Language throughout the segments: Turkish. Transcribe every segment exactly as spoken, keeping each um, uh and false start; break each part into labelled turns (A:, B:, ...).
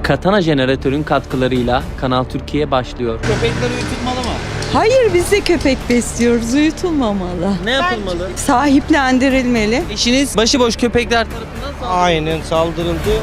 A: Katana jeneratörün katkılarıyla Kanal Türkiye başlıyor.
B: Köpekler uyutulmalı mı?
C: Hayır, biz de köpek besliyoruz, uyutulmamalı.
A: Ne yapılmalı?
C: Sahiplendirilmeli.
A: Eşiniz başıboş köpekler tarafından saldırıldı.
B: Aynen saldırıldı.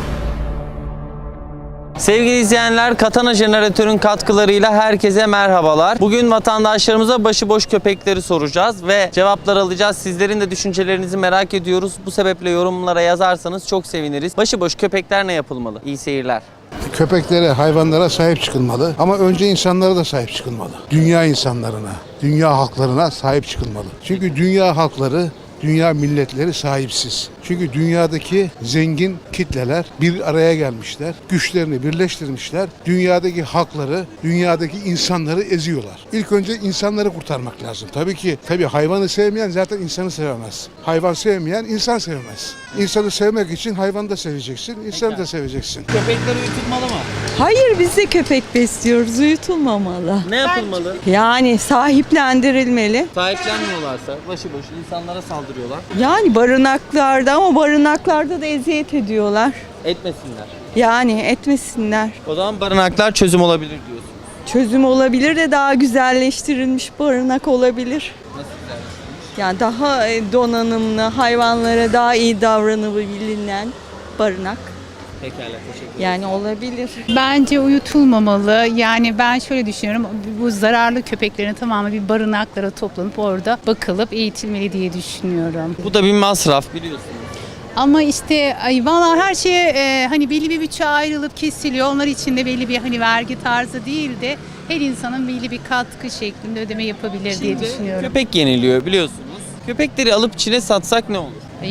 A: Sevgili izleyenler, Katana jeneratörün katkılarıyla herkese merhabalar. Bugün vatandaşlarımıza başıboş köpekleri soracağız ve cevaplar alacağız. Sizlerin de düşüncelerinizi merak ediyoruz. Bu sebeple yorumlara yazarsanız çok seviniriz. Başıboş köpekler ne yapılmalı? İyi seyirler.
D: Köpeklere, hayvanlara sahip çıkılmalı ama önce insanlara da sahip çıkılmalı. Dünya insanlarına, dünya halklarına sahip çıkılmalı. Çünkü dünya halkları, dünya milletleri sahipsiz. Çünkü dünyadaki zengin kitleler bir araya gelmişler, güçlerini birleştirmişler, dünyadaki halkları, dünyadaki insanları eziyorlar. İlk önce insanları kurtarmak lazım. Tabii ki, tabii hayvanı sevmeyen zaten insanı sevemez. Hayvan sevmeyen insan sevmez. İnsanı sevmek için hayvanı da seveceksin, insanı da seveceksin.
B: Köpekler uyutulmalı mı?
C: Hayır, biz de köpek besliyoruz, uyutulmamalı.
A: Ne yapılmalı?
C: Yani sahiplendirilmeli.
A: Sahiplenmiyorlarsa başıboş insanlara saldırıyorlar.
C: Yani barınaklarda, ama barınaklarda da eziyet ediyorlar.
A: Etmesinler.
C: Yani etmesinler.
A: O zaman barınaklar çözüm olabilir diyorsun.
C: Çözüm olabilir de daha güzelleştirilmiş barınak olabilir.
A: Nasıl güzel?
C: Yani daha e, donanımlı, hayvanlara daha iyi davranılabilen barınak.
A: Pekala, teşekkür ederim.
C: Yani olabilir.
E: Bence uyutulmamalı. Yani ben şöyle düşünüyorum. Bu zararlı köpeklerin tamamı bir barınaklara toplanıp orada bakılıp eğitilmeli diye düşünüyorum.
A: Bu da bir masraf biliyorsunuz.
E: Ama işte ay valla her şeye e, hani belli bir bütçe ayrılıp kesiliyor. Onlar için de belli bir hani vergi tarzı değil de her insanın belli bir katkı şeklinde ödeme yapabilir diye
A: Şimdi
E: düşünüyorum.
A: köpek yeniliyor biliyorsunuz. Köpekleri alıp Çin'e satsak ne olur?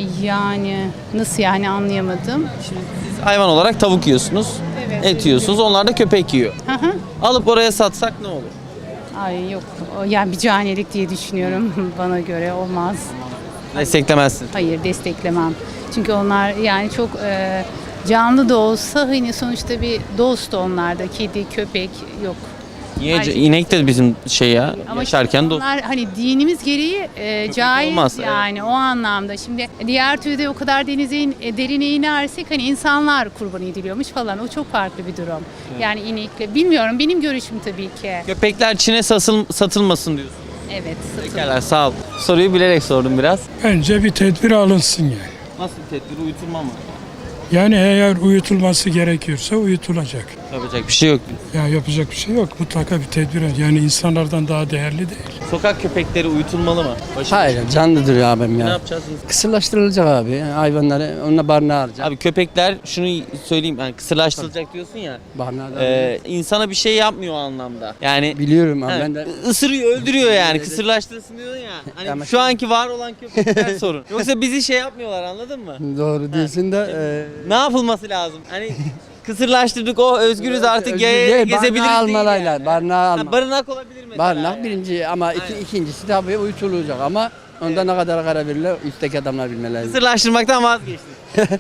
E: Yani nasıl yani anlayamadım.
A: Şimdi siz hayvan olarak tavuk yiyorsunuz,
E: Evet,
A: et yiyorsunuz, onlar da köpek yiyor.
E: Hı hı.
A: Alıp oraya satsak ne olur?
E: Ay yok o yani bir canilik diye düşünüyorum bana göre olmaz.
A: Desteklemezsin.
E: Hayır desteklemem. Çünkü onlar yani çok e, canlı da olsa hani sonuçta bir dost onlarda. Kedi, köpek yok.
A: Niye?
E: Ayrıca-
A: İnek de bizim şey ya,
E: Ama
A: yaşarken
E: şimdi
A: dost.
E: onlar hani dinimiz gereği e, caiz
A: olmaz,
E: yani o anlamda. Şimdi diğer türde o kadar denize in, e, derine inersek hani insanlar kurban ediliyormuş falan. O çok farklı bir durum. Yani inekle bilmiyorum benim görüşüm tabii ki.
A: Köpekler Çin'e satıl, satılmasın diyorsun.
E: Evet. satın-
A: Pekala, sağ ol. Soruyu bilerek sordum biraz.
F: Bence bir tedbir alınsın yani.
A: Nasıl bir tedbir? Uyutulma mı?
F: Yani eğer uyutulması gerekiyorsa uyutulacak.
A: Yapacak bir şey yok.
F: Ya yapacak bir şey yok. Mutlaka bir tedbir. Yani insanlardan daha değerli değil.
A: Sokak köpekleri uyutulmalı mı? Başım.
G: Hayır, canlıdır ya abim
A: Ne
G: ya.
A: yapacağız?
G: Kısırlaştırılacak abi. Hayvanları onunla barınağa alacak.
A: Abi köpekler şunu söyleyeyim, yani kısırlaştırılacak diyorsun ya.
G: Barınağa da
A: E, insana bir şey yapmıyor o anlamda. Yani
G: biliyorum abi
A: Ha,
G: ben de.
A: ısırıyor, öldürüyor yani. Kısırlaştırsın diyorsun ya. Hani
G: Ama
A: şu anki var olan köpekler sorun. Yoksa bizi şey yapmıyorlar, anladın mı?
G: Doğru diyorsun da. E,
A: Ne yapılması lazım? Hani kısırlaştırdık, o özgürüz artık,
G: özgür
A: yaya
G: değil,
A: gezebiliriz
G: barınağa
A: değil
G: almalayla,
A: yani.
G: barınağa
A: Ha,
G: alma.
A: barınak olabilir mesela.
G: Barınak
A: yani.
G: birinci ama iki,
A: Aynen.
G: ikincisi tabii uyutulacak ama onda ne kadar karar verirler üstteki adamlar bilmeleri.
A: Kısırlaştırmaktan vazgeçtik.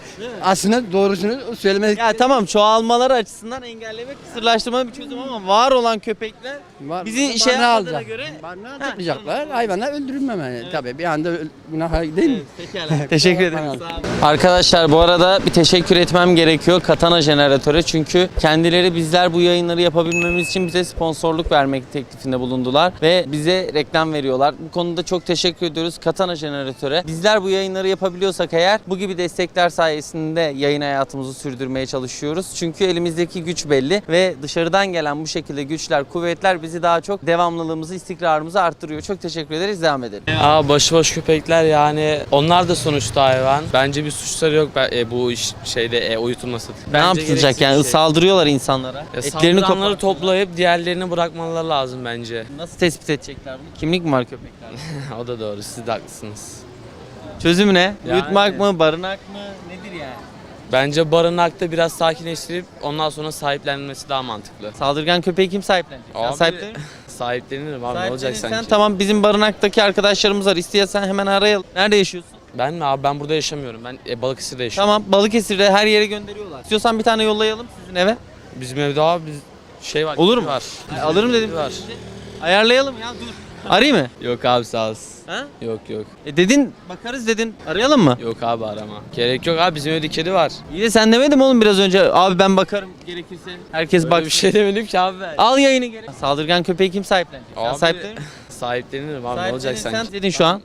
G: Aslında doğrusunu söylemek
A: Ya tamam, çoğalmaları açısından engellemek kısırlaştırmanın bir çözüm ama var olan köpekler
G: var.
A: bizi şey
G: Barınağa
A: yapmadığına
G: alacak.
A: göre.
G: Barınağa
A: Ha,
G: tutmayacaklar.
A: tamam.
G: Hayvanlar öldürülmemeli. Tabii bir anda öl- günah değil mi?
A: Pekala. Teşekkür ederim.
G: Tamam.
A: Sağ olun. Arkadaşlar, bu arada bir teşekkür etmem gerekiyor Katana jeneratöre, çünkü kendileri bizler bu yayınları yapabilmemiz için bize sponsorluk vermek teklifinde bulundular ve bize reklam veriyorlar. Bu konuda çok teşekkür ediyoruz Katana jeneratöre. Bizler bu yayınları yapabiliyorsak eğer, bu gibi destekler sayesinde yayın hayatımızı sürdürmeye çalışıyoruz. Çünkü elimizdeki güç belli ve dışarıdan gelen bu şekilde güçler, kuvvetler bizi daha çok devamlılığımızı, istikrarımızı arttırıyor. Çok teşekkür ederiz. Devam edelim.
H: Aa, başıboş köpekler yani onlar da sonuçta hayvan. Bence bir suçları yok ben- e, bu iş şeyde e, uyutulması.
A: Ne
H: Bence
A: yapılacak
H: gereksiz
A: yani?
H: bir şey.
A: Saldırıyorlar insanlara.
H: Ya
A: Etlerini
H: saldıranları
A: kopartıyorlar.
H: toplayıp diğerlerini bırakmaları lazım bence.
A: Nasıl tespit edecekler bunu? Kimlik mi var köpeklerde?
H: O da doğru, siz de haklısınız.
A: Çözümü ne?
H: Yani-
A: Uyutmak mı? Barınak mı? Nedir yani?
H: Bence barınakta biraz sakinleştirip ondan sonra sahiplenilmesi daha mantıklı.
A: Saldırgan köpeği kim sahiplenecek? Sen
H: Abi,
A: sahiplenir misin?
H: Sahiplenirim abi, ne olacak
A: Sahiplenirsen
H: sanki?
A: tamam, bizim barınaktaki arkadaşlarımız var. İstiyorsan hemen arayalım. Nerede yaşıyorsun?
H: Ben mi abi, ben burada yaşamıyorum. Ben e, Balıkesir'de yaşıyorum.
A: Tamam, Balıkesir'de her yere gönderiyorlar. İstiyorsan bir tane yollayalım sizin eve.
H: Bizim evde abi biz şey var.
A: Olur
H: kedi
A: mu?
H: Var.
A: Ay, alırım dedim.
H: Kedi var.
A: Ayarlayalım ya, dur. Arayayım mı?
H: Yok abi sağ olasın.
A: Ha?
H: Yok yok.
A: E dedin bakarız dedin. Arayalım mı?
H: Yok abi arama. Gerek yok abi bizim evde kedi var.
A: İyi de sen demedin mi oğlum biraz önce? Abi ben bakarım gerekirse. Herkes
H: Böyle
A: bak.
H: bir şey demedim ki abi ben.
A: Al yayını gerek. Saldırgan köpeği kim sahiplenecek? Sen
H: Abi,
A: sahiplenir misin?
H: Sahiplenirim abi ne olacak
A: Sahiplenirsen
H: sanki?
A: dedin şu an.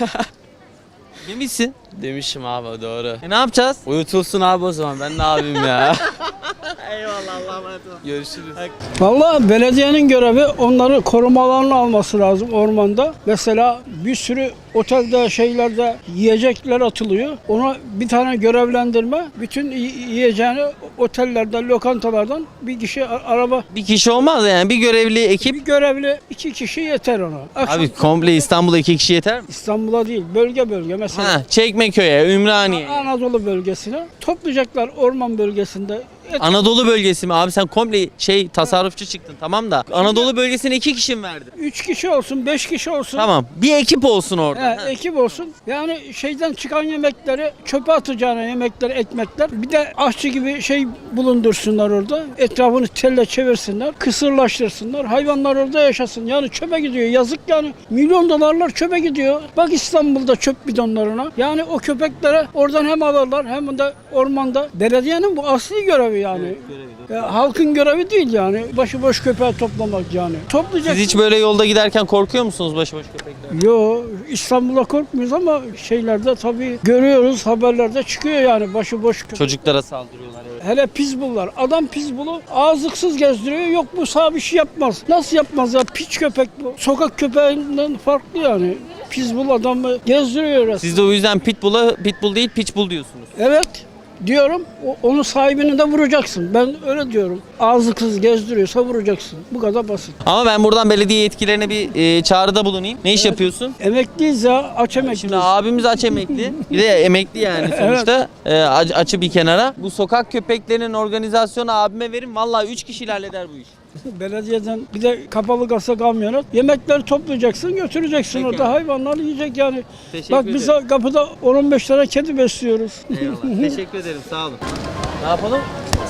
A: Demişsin.
H: Demişim abi doğru.
A: E ne yapacağız?
H: Uyutulsun abi o zaman ben ne yapayım ya.
A: Eyvallah Allah'a emanet ol.
H: Görüşürüz.
F: Vallahi belediyenin görevi onları korumalarını alması lazım ormanda. Mesela bir sürü otelde şeylerde yiyecekler atılıyor. Ona bir tane görevlendirme. Bütün yi- yiyeceğini otellerden, lokantalardan bir kişi a- araba
A: Bir kişi olmaz yani bir görevli ekip.
F: bir görevli iki kişi yeter ona. Akşam
A: Abi komple İstanbul'a iki kişi yeter mi?
F: İstanbul'a değil, bölge bölge mesela.
A: Ha, Çekmeköy'e, Ümraniye.
F: Anadolu bölgesine toplayacaklar orman bölgesinde. Et-
A: Anadolu bölgesi mi? Abi sen komple şey tasarrufçu çıktın tamam da. Anadolu bölgesine iki kişi mi verdin?
F: Üç kişi olsun, beş kişi olsun.
A: Tamam. Bir ekip olsun orada.
F: He,
A: Ha.
F: ekip olsun. Yani şeyden çıkan yemekleri çöpe atacağına yemekler, ekmekler. Bir de aşçı gibi şey bulundursunlar orada. Etrafını telle çevirsinler. Kısırlaştırsınlar. Hayvanlar orada yaşasın. Yani çöpe gidiyor. Yazık yani. Milyon dolarlar çöpe gidiyor. Bak İstanbul'da çöp bidonlarına. Yani o köpeklere oradan hem alırlar hem de ormanda. Belediyenin bu asli görevi yani. Ya, halkın görevi değil yani. Başıboş köpeği toplamak yani. Toplayacak.
A: Siz hiç böyle yolda giderken korkuyor musunuz başıboş köpekler?
F: Yo, İstanbul'a korkmuyoruz ama şeylerde tabii görüyoruz, haberlerde çıkıyor yani başıboş köpek.
A: Çocuklara saldırıyorlar evet.
F: Hele pitbulllar. Adam pitbull'u ağızlıksız gezdiriyor. Yok bu sağ bir şey yapmaz. Nasıl yapmaz ya? Piç köpek bu. Sokak köpeğinden farklı yani. Pitbull adamı gezdiriyor resmen.
A: Siz de o yüzden pitbull'a pitbull değil pitbull diyorsunuz.
F: Evet diyorum. O- onun sahibini de vuracaksın. Ben öyle diyorum. Ağızlıksız gezdiriyorsa vuracaksın. Bu kadar basit.
A: Ama ben buradan belediye yetkililerine bir e, çağrıda bulunayım. Ne iş yapıyorsun?
F: Emekliyiz ya. Aç emekliyiz.
A: Şimdi abimiz aç emekli. Bir de emekli yani sonuçta. E, aç- açı bir kenara. Bu sokak köpeklerinin organizasyonu abime verin. Vallahi üç kişiyle halleder bu iş.
F: Belediyeden bir de kapalı kasa kamyonet. Yemekleri toplayacaksın, götüreceksin.
A: Peki
F: Orada
A: abi.
F: hayvanlar yiyecek yani.
A: Teşekkür
F: Bak biz
A: ederim.
F: kapıda on on beş tane kedi besliyoruz.
A: Eyvallah. Teşekkür ederim. Sağ olun. Ne yapalım?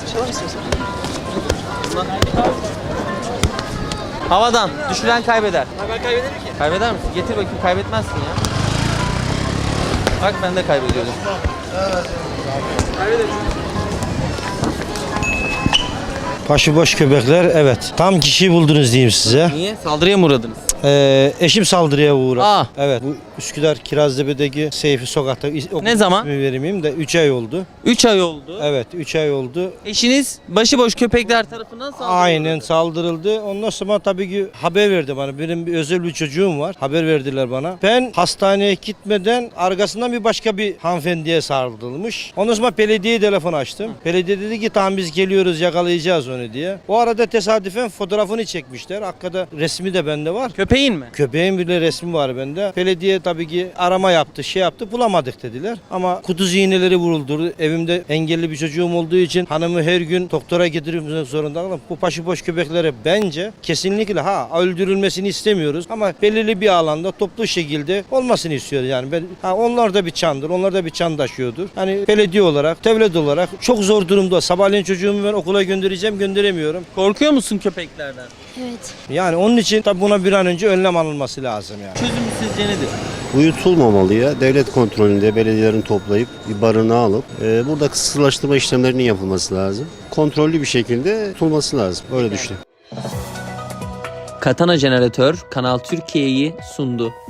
A: Havadan. Düşüren kaybeder. Ben kaybederim ki. Kaybeder misin? Getir bakayım. Kaybetmezsin ya. Bak ben de kaybediyordum.
B: Başıboş köpekler evet. Tam kişiyi buldunuz diyeyim size.
A: Niye? Saldırıya mı uğradınız?
B: Ee, eşim saldırıya uğradı.
A: Aa.
B: Evet. Bu Üsküdar Kiraztepe'deki Seyfi Sokak'ta.
A: Ne zaman?
B: İsmi vermeyeyim de üç ay oldu.
A: üç ay oldu.
B: Evet üç ay oldu.
A: Eşiniz başıboş köpekler tarafından saldırıldı.
B: Aynen saldırıldı. Ondan sonra tabii ki haber verdi bana. Benim bir özel bir çocuğum var. Haber verdiler bana. Ben hastaneye gitmeden arkasından bir başka bir hanımefendiye saldırılmış. Ondan sonra belediyeye telefon açtım. Belediye dedi ki tamam biz geliyoruz yakalayacağız onu diye. O arada tesadüfen fotoğrafını çekmişler. Hakikaten resmi de bende var.
A: Köpeğin mi?
B: Köpeğin bile resmi var bende. Belediye tabii ki arama yaptı, şey yaptı, bulamadık dediler. Ama kuduz iğneleri vuruldu. Evimde engelli bir çocuğum olduğu için hanımı her gün doktora getirmek zorunda kaldım. Bu başıboş köpeklere bence kesinlikle ha öldürülmesini istemiyoruz ama belirli bir alanda toplu şekilde olmasını istiyoruz yani. Ben, ha, onlar da bir çandır, onlar da bir çan taşıyordur. Hani belediye olarak, devlet olarak çok zor durumda. Sabahleyin çocuğumu ben okula göndereceğim, gönderemiyorum.
A: Korkuyor musun köpeklerden?
I: Evet.
B: Yani onun için tabii buna bir an önce önlem alınması lazım yani.
A: Çözümü sizce nedir?
J: Uyutulmamalı ya. Devlet kontrolünde belediyelerin toplayıp bir barınağa alıp e, burada kısırlaştırma işlemlerinin yapılması lazım. Kontrollü bir şekilde tutulması lazım. Öyle düşünüyorum.
A: Katana Jeneratör Kanal Türkiye'yi sundu.